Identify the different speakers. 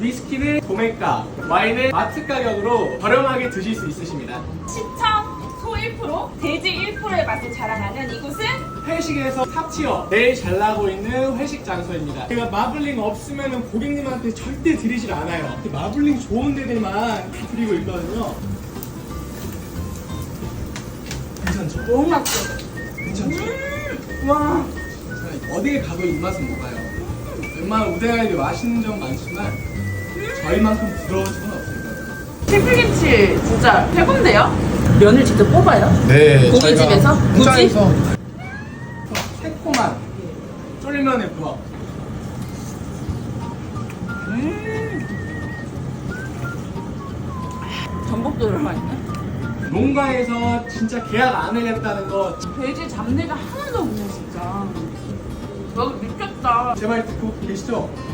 Speaker 1: 위스키는 도매가, 와인은 마트 가격으로 저렴하게 드실 수 있으십니다.
Speaker 2: 시청 소 1%, 돼지 1%의 맛을 자랑하는 이곳은
Speaker 1: 회식에서 탑티어 제일 잘 나가고 있는 회식 장소입니다. 제가 마블링 없으면 고객님한테 절대 드리질 않아요. 마블링 좋은 데들만 다 드리고 있거든요. 괜찮죠?
Speaker 2: 너무 맛있어.
Speaker 1: 괜찮죠?
Speaker 2: 와.
Speaker 1: 어디에 가도 이 맛은 못 가요. 웬만한 우대가이도 맛있는 점 많지만 저희만큼 부러운 점은 없을 거예요.
Speaker 2: 피플김치 진짜 최고인데요? 면을 직접 뽑아요?
Speaker 1: 네,
Speaker 2: 고깃집에서? 굳이?
Speaker 1: 새콤한 쫄면의 부합.
Speaker 2: 전복도 들어가 있네.
Speaker 1: 농가에서 진짜 계약 안 하겠다는 거
Speaker 2: 돼지 잡내가 하나도 없네 진짜. 여기 미쳤다.
Speaker 1: 제 말 듣고 계시죠?